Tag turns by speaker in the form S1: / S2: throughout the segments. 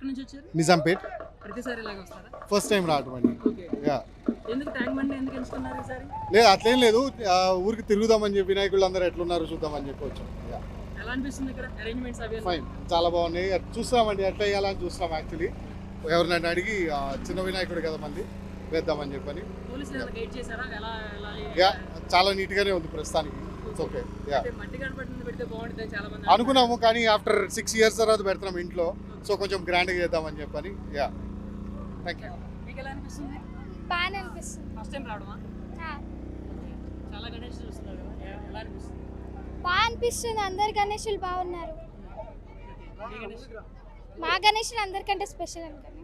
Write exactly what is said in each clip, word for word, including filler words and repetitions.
S1: ఎక్కడి నుంచి వచ్చారు?
S2: నిజాంపేట్.
S1: ప్రతిసారి ఇలాగ వస్తారా?
S2: ఫస్ట్ టైం రావటం అండి.
S1: ఓకే.
S2: యా
S1: ఎందుకు ట్యాంక్ బండ్ ఎందుకు ఎంచుకున్నారు ఈసారి?
S2: లేదు అట్లేం లేదు, ఆ, ఊరికి తిరుగుదామని చెప్పి వినాయకులు అందరూ ఎట్లున్నారు చూద్దామని చెప్పి వచ్చాం. యా
S1: ఎలా అనిపిస్తుంది ఇక్కడ అరేంజ్మెంట్స్ అవి?
S2: ఫైన్, చాలా బాగున్నాయి. అట్ చూస్తామండి ఎట్లా వేయాలని చూస్తాం. యాక్చువల్లీ ఎవరినైనా అడిగి ఆ, చిన్న వినాయకుడు కదా మంది వేద్దామని చెప్పని.
S1: పోలీసులు ఏమైనా గైడ్ చేశారా? ఎలా ఎలా
S2: యా చాలా నీట్గానే ఉంది ప్రస్తుతానికి. It's okay. యా
S1: అంటే మట్టి గణపతిని పెడితే బాగుంటుంది చాలా మంది
S2: అనుకున్నాము, కానీ ఆఫ్టర్ సిక్స్ ఇయర్స్ తర్వాత పెడుతున్నాం ఇంట్లో, సో కొంచెం గ్రాండ్గా చేద్దామని చెప్పని. Yeah thank you.
S1: మీకు ఎలా అనిపిస్తుంది?
S3: బాగా అనిపిస్తుంది.
S1: ఫస్ట్ టైం రావడమా? చాలా గణేష్ చూస్తున్నారు కదా, ఎ- ఎలా అనిపిస్తుంది?
S3: బాగా అనిపిస్తుంది. అందరు గణేషులు బాగున్నారు.
S1: మీ గణేష్
S3: మా గణేషులు అందరికంటే స్పెషల్ అనుకోండి.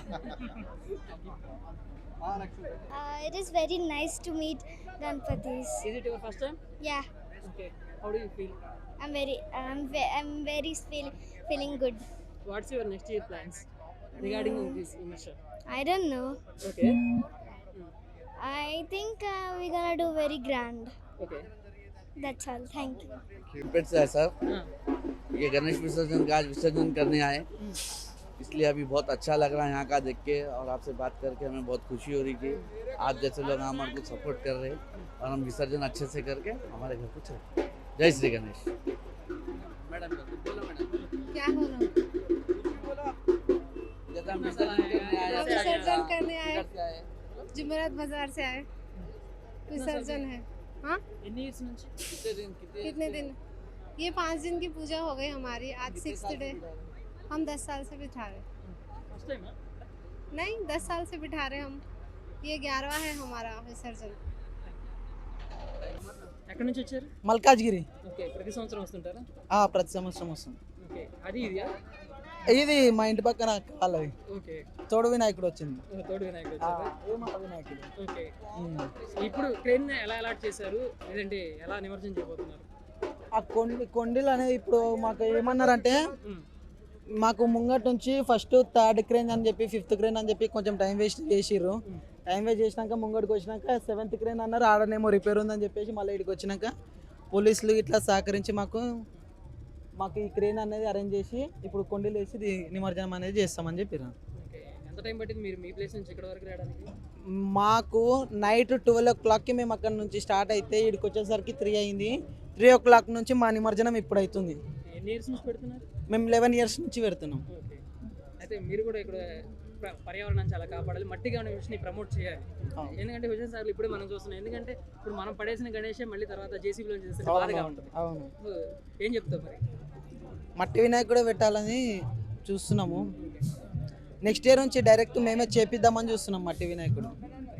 S3: It is very nice to meet Ganapatis.
S1: Is it your first time?
S3: Yeah
S1: Okay. How do you feel?
S3: I'm very I'm very feeling good.
S1: What's your next year plans regarding this immersion?
S3: I don't know.
S1: Okay.
S3: I think we gonna do very grand.
S1: Okay.
S3: That's all. Thank you.
S4: पेट से है sir,
S1: हाँ.
S4: ये गणेश विसर्जन का आज विसर्जन करने आए, इसलिए अभी बहुत अच्छा लग रहा है यहाँ का देख के, और आपसे बात करके हमें बहुत खुशी हो रही कि आप जैसे लोग हमारे को सपोर्ट कर रहे हैं और हम विसर्जन अच्छे से करके हमारे घर को चले. जय श्री गणेश. मैडम बोलो मैडम.
S5: क्या बोलो?
S4: जैसे हम विसर्जन करने आए,
S5: हम विसर्जन करने आए,
S4: किधर से आए?
S5: जुमेरात बाजार से आए. विसर्जन है. हाँ,
S1: ఎన్ని ఇయర్స్ నుంచి?
S4: कितने दिन कितने
S5: कितने दिन? ये पाँच दिन की पूजा हो गई हमारी. आज
S4: कितने
S5: सिक्स
S4: साल
S5: डे.
S4: से बिता रहे?
S5: हम दस साल से बिठा रहे.
S1: ఫస్ట్ టైమా?
S5: नहीं, दस साल से बिठा रहे हम. ये ग्यारहवा है हमारा विसर्जन.
S1: ఎక్కడి నుంచి వచ్చారు?
S6: మల్కాజ్గిరి.
S1: ఓకే. ప్రతి సంవత్సరం వస్తుంటారా?
S6: ఆ, ప్రతి సంవత్సరం వస్తుంది.
S1: ఓకే. అది ఇదియా?
S6: ఇది మా ఇంటి పక్కన వాళ్ళది
S1: ఓకే.
S6: తోడు వినాయకుడు వచ్చింది.
S1: ఓ, తోడు వినాయకుడు
S6: ఆ,
S1: వచ్చారా?
S6: ఏ మాట వినాయకుడు.
S1: ఓకే.
S6: ఉమ్.
S1: ఇప్పుడు క్రేన్ ఎలా అలాట్ చేశారు, లేదంటే ఎలా నిమజ్జనం చేయబోతున్నారు?
S6: ఆ కొండి కొండలు అనేది ఇప్పుడు మాకు ఏమన్నారంటే
S1: ఉమ్.
S6: మాకు ముంగట్ నుంచి ఫస్ట్ థర్డ్ క్రేన్ అని చెప్పి ఫిఫ్త్ క్రేన్ అని చెప్పి కొంచెం టైం వేస్ట్ చేసిర్రు.
S1: ఉమ్.
S6: టైం వేస్ట్ చేసినాక ముంగడికి వచ్చినాక సెవెంత్ క్రేన్ అన్నారు, ఆడనేమో రిపేర్ ఉందని చెప్పేసి మళ్ళీ ఇక్కడికి వచ్చినాక పోలీసులు ఇట్లా సహకరించి మాకు మాకు ఈ క్రేన్ అనేది అరేంజ్ చేసి ఇప్పుడు కొండలు వేసి ఇది నిమజ్జనం అనేది చేస్తామని చెప్పారు.
S1: ఓకే. ఎంత టైం పట్టింది మీరు మీ ప్లేస్ నుంచి ఇక్కడ వరకు రావడానికి?
S6: మాకు నైట్ ట్వెల్వ్ ఓ క్లాక్కి మేము అక్కడ నుంచి స్టార్ట్ అయితే ఇక్కడికి వచ్చేసరికి త్రీ అయింది. త్రీ ఓ క్లాక్ నుంచి మా నిమజ్జనం ఇప్పుడు అవుతుంది.
S1: ఎన్ని ఇయర్స్ నుంచి పెడుతున్నారు?
S6: మేము లెవెన్ ఇయర్స్ నుంచి పెడుతున్నాం.
S1: ఓకే. అయితే మీరు కూడా ఇక్కడ ప్ర- పర్యావరణాన్ని చాలా కాపాడాలి, మట్టి గణేష్ని ప్రమోట్ చేయాలి.
S6: అవును.
S1: ఎందుకంటే విజయ్ సార్లు ఇప్పుడే మనం చూస్తున్నాం. ఎందుకంటే ఇప్పుడు మనం పడేసిన గణేషే మళ్ళీ తర్వాత జేసీబీలో చేస్తే
S6: అవును,
S1: బాధగా
S6: అవును,
S1: ఉంటుంది.
S6: అవును.
S1: సో ఏం చెప్తావు మరి?
S6: మట్టి వినాయకుడే పెట్టాలని చూస్తున్నాము. నెక్స్ట్ ఇయర్ నుంచి డైరెక్ట్ మేమే చేపిద్దామని చూస్తున్నాం మట్టి వినాయకుడు.